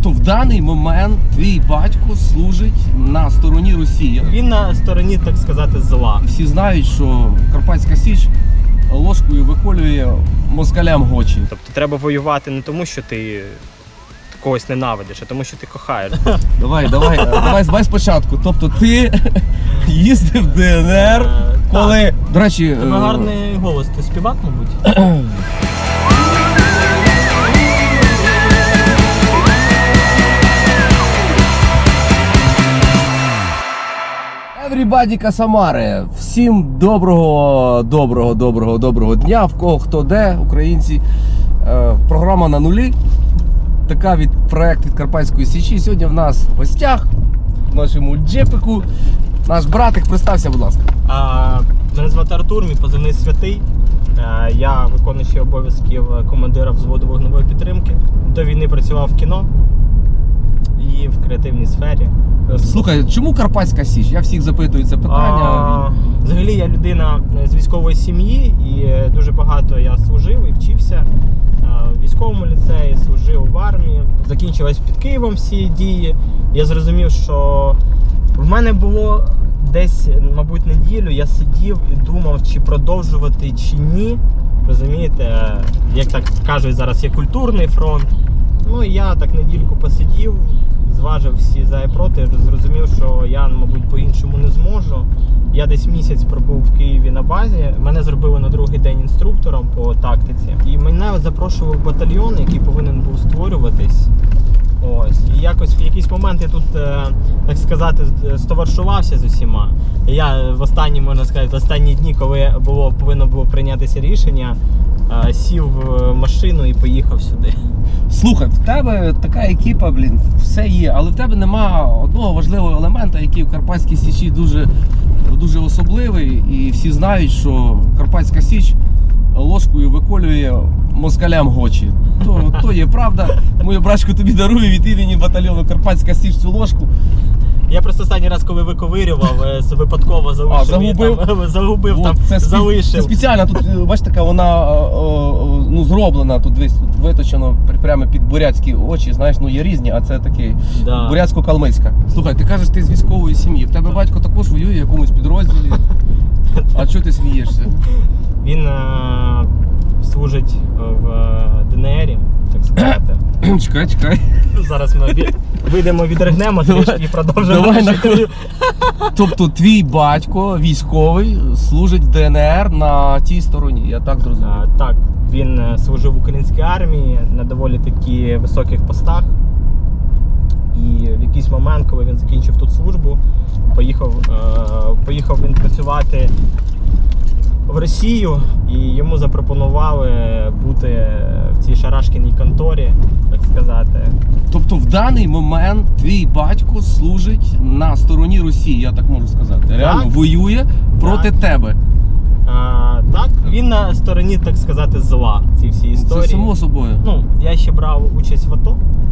Тобто в даний момент твій батько служить на стороні Росії. Він на стороні, так сказати, зла. Всі знають, що Карпатська Січ ложкою виколює москалям очі. Тобто треба воювати не тому, що ти когось ненавидиш, а тому, що ти кохаєш. Давай спочатку. Тобто ти їздив в ДНР, коли... До речі... Тебе гарний голос, ти співак, мабуть? Everybody Касамари! Всім доброго дня, в кого хто де, українці. Програма на нулі. Така проект від Карпатської Січі. Сьогодні в нас в гостях, в нашому джепику, наш братик. Представся, будь ласка. Мене звати Артур, мій позивний Святий. Я виконуючий обов'язків командира взводу вогневої підтримки. До війни працював в кіно і в креативній сфері. Слухай, чому Карпатська Січ? Я всіх запитую це питання. Взагалі я людина з військової сім'ї і дуже багато я служив і вчився в військовому ліцеї, служив в армії. Закінчилось під Києвом всі дії. Я зрозумів, що в мене було десь, мабуть, неділю, я сидів і думав, чи продовжувати, чи ні. Розумієте, як так кажуть, зараз є культурний фронт. Ну і я так недільку посидів, зважив всі за і проти, зрозумів, що я, мабуть, по-іншому не зможу. Я десь місяць пробув в Києві на базі, мене зробили на другий день інструктором по тактиці. І мене запрошував в батальйон, який повинен був створюватись. Ось. І якось в якийсь момент я тут, так сказати, стоваришувався з усіма. І я в останні, можна сказати, в останні дні, коли повинно було прийнятися рішення, сів в машину і поїхав сюди. Слухай, в тебе така екіпа, все є, але в тебе нема одного важливого елемента, який в Карпатській Січі дуже особливий. І всі знають, що Карпатська Січ ложкою виколює москалям очі. То є правда. Моє брачко тобі дарує від імені батальйону Карпатська Січ цю ложку. Я просто останній раз, коли виковирював, випадково загубив там, залишив. Це спеціально, тут, бачите, така вона зроблена, тут виточено прямо під бурятські очі, знаєш, є різні, а це такий бурятсько-калмицька. Слухай, ти кажеш, ти з військової сім'ї, в тебе батько також воює в якомусь підрозділі, а чого ти смієшся? Він служить в ДНРі, так сказати. Чекай. Зараз ми вийдемо, відригнемо трішки і продовжимо. Тобто твій батько військовий служить в ДНР на тій стороні, я так зрозумів? Так, він служив в українській армії на доволі таки високих постах. І в якийсь момент, коли він закінчив тут службу, поїхав він працювати в Росію, і йому запропонували бути в цій шарашкіній конторі, так сказати. Тобто в даний момент твій батько служить на стороні Росії, я так можу сказати. Реально воює проти тебе. Так, він на стороні, так сказати, зла ці всі історії. Це само собою. Я ще брав участь в АТО.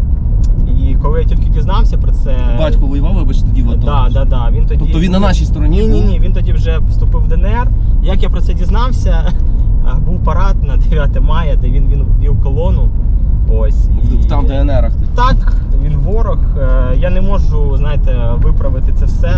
І коли я тільки дізнався про це... Батько воював, вибачте, тоді в АТО? Так. Він тоді... Тобто він на нашій стороні? Ні, він тоді вже вступив в ДНР. Як я про це дізнався, був парад на 9 мая, де він вів колону. Ось. Там в ДНРах? Так, він ворог. Я не можу, знаєте, виправити це все.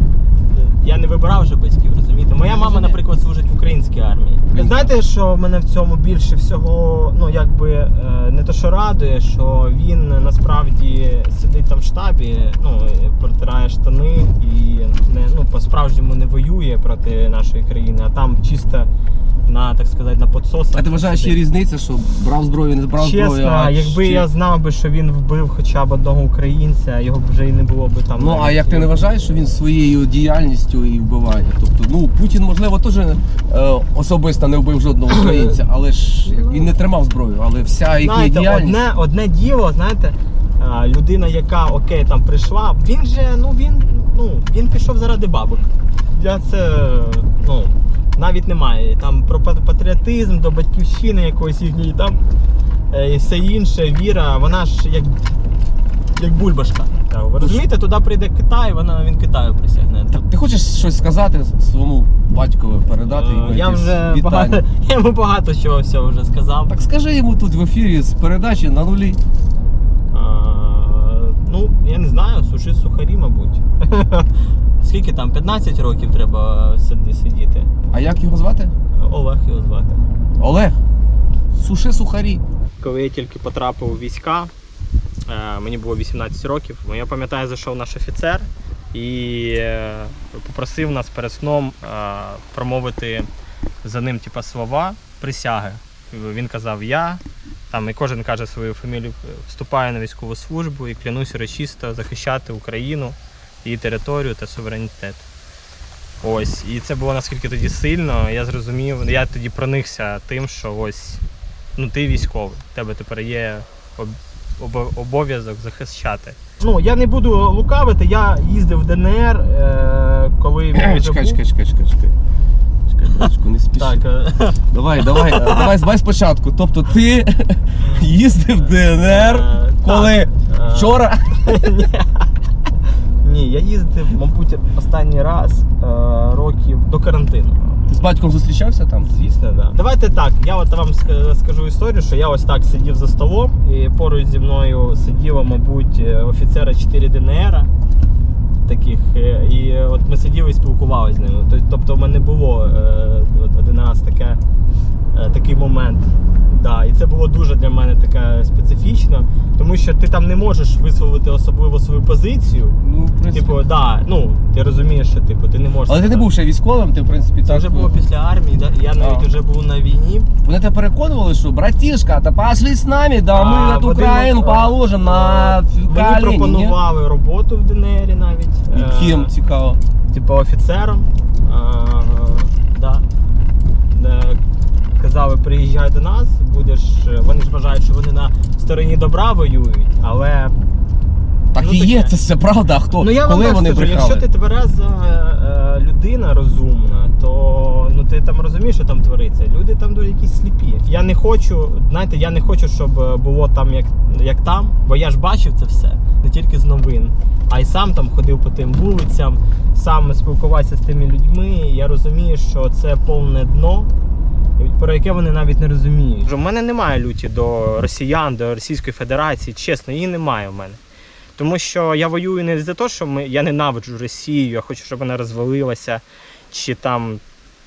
Я не вибирав вже батьків, розумієте? Моя мама, наприклад, служить в українській армії. Знаєте, що мене в цьому більше всього, не то що радує, що він насправді сидить там в штабі, протирає штани і по-справжньому не воює проти нашої країни, а там чисто так сказати, на підсосах. А ти вважаєш, є різниця, що брав зброю, не брав зброю? Чесно, якби я знав, що він вбив хоча б одного українця, його б вже і не було б там. А як ти не вважаєш, що він своєю діяльністю і вбиває? Тобто, Путін, можливо, теж особисто не вбив жодного українця, але ж він не тримав зброю, але вся їхня діяльність... Одне діло, знаєте, людина, яка, там прийшла, він же, він пішов заради бабок. Я це, навіть немає. Там про патріотизм, до батьківщини якоїсь їхньої, там і все інше, віра, вона ж як бульбашка. Ви розумієте, туди прийде Китай, він Китаю присягне. Ти хочеш щось сказати своєму батькові, передати йому вітання? Я йому багато чого всього вже сказав. Так скажи йому тут в ефірі з передачі на нулі. знаю, суши сухарі, мабуть. Скільки там, 15 років треба сидіти? А як його звати? Олег його звати. Олег. Суши сухарі. Коли я тільки потрапив у війська, мені було 18 років, я пам'ятаю, зайшов наш офіцер і попросив нас перед сном промовити за ним типу, слова присяги. Він казав я, там, і кожен каже свою фамілію, вступаю на військову службу і клянусь урочисто захищати Україну, її територію та суверенітет. Ось, і це було наскільки тоді сильно, я зрозумів, я тоді проникся тим, що ось, ну ти військовий, в тебе тепер є обов'язок захищати. Ну, я не буду лукавити, я їздив в ДНР, коли він вже був. Чекай, не спіши. Так. Давай спочатку. Тобто ти їздив в ДНР, коли? Вчора? Ні, я їздив, мабуть, останній раз років до карантину. Ти з батьком зустрічався там? Звісно, так. Да. Давайте так, я от вам скажу історію, що я ось так сидів за столом, і поруч зі мною сиділо, мабуть, офіцера 4 ДНР таких, і от ми сиділи і спілкувалися з ними. Тобто в мене було один раз такий момент. Да, і це було дуже для мене таке специфічно, тому що ти там не можеш висловити особливо свою позицію. Ну, в принципі. Типу, да, ну, ти розумієш, що типу, ти не можеш. Але ти не був ще військовим, ти в принципі це так. вже було після армії, да? Я навіть вже був на війні. Вони тебе переконували, що братішка, та пошли з нами, да ми на Україну положимо на Мені пропонували роботу в ДНР навіть. І ким, цікаво? Типу офіцером. Да. Казали, приїжджай до нас, будеш. Вони ж вважають, що вони на стороні добра воюють, але. Так і є, це все правда, а хто? Ну я коли вам вони скажу, брехали? якщо ти твереза людина розумна, то ну ти там розумієш, що там твориться. Люди там дуже якісь сліпі. Я не хочу, знаєте, я не хочу, щоб було там як там, бо я ж бачив це все, не тільки з новин, а й сам там ходив по тим вулицям, сам спілкувався з тими людьми. І я розумію, що це повне дно, про яке вони навіть не розуміють. У мене немає люті до росіян, до Російської Федерації, чесно, її немає в мене. Тому що я воюю не за те, що я ненавиджу Росію, я хочу, щоб вона розвалилася, чи там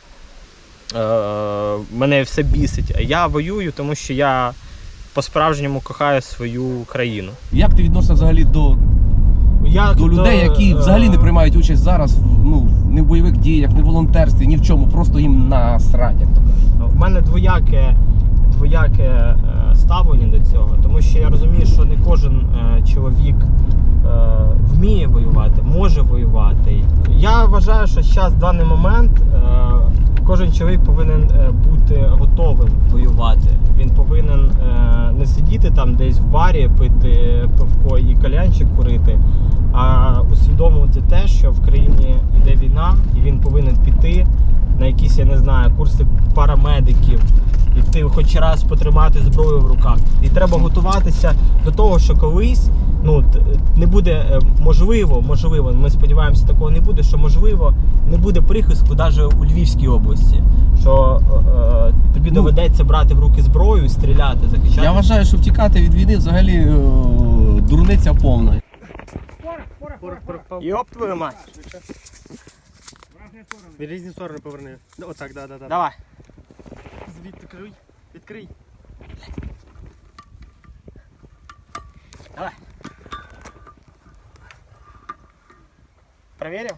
мене все бісить. А я воюю, тому що я по-справжньому кохаю свою країну. Як ти відносишся взагалі до людей, які взагалі не приймають участь зараз ну, не в бойових діях, не в волонтерстві, ні в чому, просто їм насрать, як то кажуть? У мене двояке ставлення до цього, тому що я розумію, що не кожен чоловік вміє воювати, може воювати. Я вважаю, що зараз, в даний момент, кожен чоловік повинен бути готовим воювати. Він повинен не сидіти там десь в барі, пити пивко і кальянчик курити, а усвідомлювати те, що в країні йде війна, і він повинен піти на якісь, я не знаю, курси парамедиків, іти хоч раз потримати зброю в руках. І треба готуватися до того, що колись ну, не буде, можливо, ми сподіваємося, такого не буде, що можливо не буде прихистку навіть у Львівській області, що тобі доведеться брати в руки зброю і стріляти, захищати. Я вважаю, що втікати від війни взагалі дурниця повна. Йоп твою мать! В різні сторони поверни. Отак, да. Давай. Звідти відкрий. Давай. Проверил?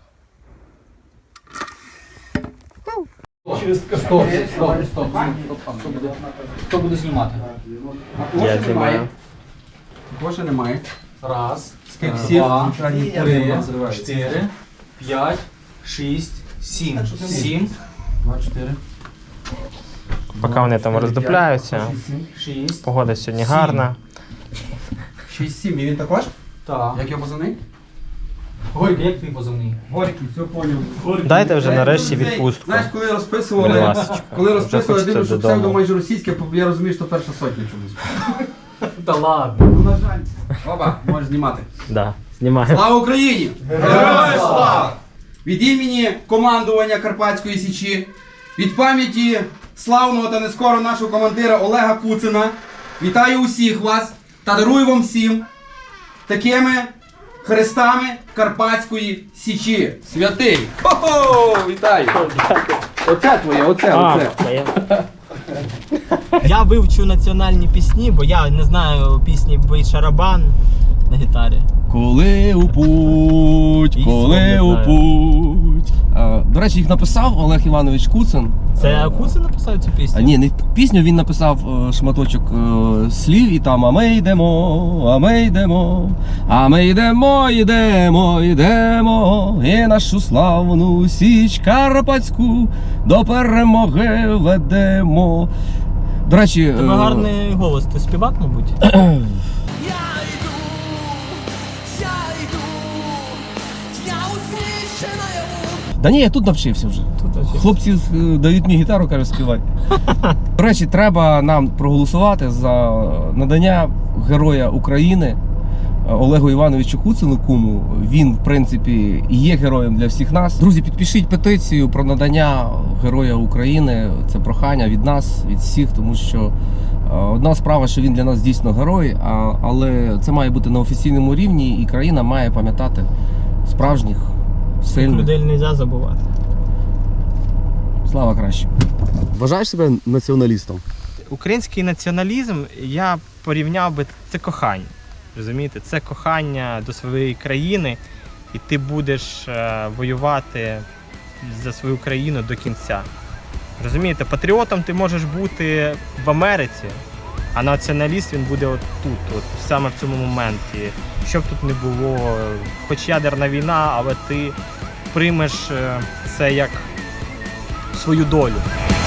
Стоп. Хто буде знімати? Я знімаю. Кошти немає. Раз, два, три, 4, 5, 6, 7. 7, 2, 4. Поки вони там роздупляються. 6, Погода сьогодні гарна. 6, 7. І він також? Так. Як його позивний? Горький, як твій позивний? Горький, все поняв. Дайте вже нарешті відпустку. Знаєш, коли Будь розписували, ласочка. дивлюсь, що хочеться псевдо додому. майже російське, я розумію, що перша сотня чомусь. Та ладно. Ну, на жаль. Оба, можеш знімати. Да, знімаю. Слава Україні! Героям слава! Від імені командування Карпатської Січі, від пам'яті славного та нескоро нашого командира Олега Куцина, вітаю усіх вас та дарую вам всім такими хрестами Карпатської Січі. Святий! Хо-хо! Вітаю! Оце твоє, оце. Я вивчу національні пісні, бо я не знаю пісні «Бий шарабан» на гітарі. Коли у путь, І коли слов у не путь. До речі, їх написав Олег Іванович Куцин. Це Куцин написав цю пісню? А ні, не пісню, він написав шматочок слів і там а ми йдемо, а ми йдемо, йдемо, і нашу славну Січ Карпатську до перемоги ведемо. До речі, Тебе гарний голос, ти співак, мабуть? Да ні, я тут навчився вже. Хлопці дають мені гітару, каже, співай. До речі, треба нам проголосувати за надання Героя України Олегу Івановичу Куцину, куму. Він, в принципі, є героєм для всіх нас. Друзі, підпишіть петицію про надання Героя України. Це прохання від нас, від всіх, тому що одна справа, що він для нас дійсно герой, але це має бути на офіційному рівні, і країна має пам'ятати справжніх, сильних. Людей не можна забувати. Слава краще. Вважаєш себе націоналістом? Український націоналізм, я порівняв би, це кохання. Розумієте? Це кохання до своєї країни, і ти будеш воювати за свою країну до кінця. Розумієте, патріотом ти можеш бути в Америці, а націоналіст він буде от тут, от саме в цьому моменті. Що б тут не було, хоч ядерна війна, але ти приймеш це як свою долю.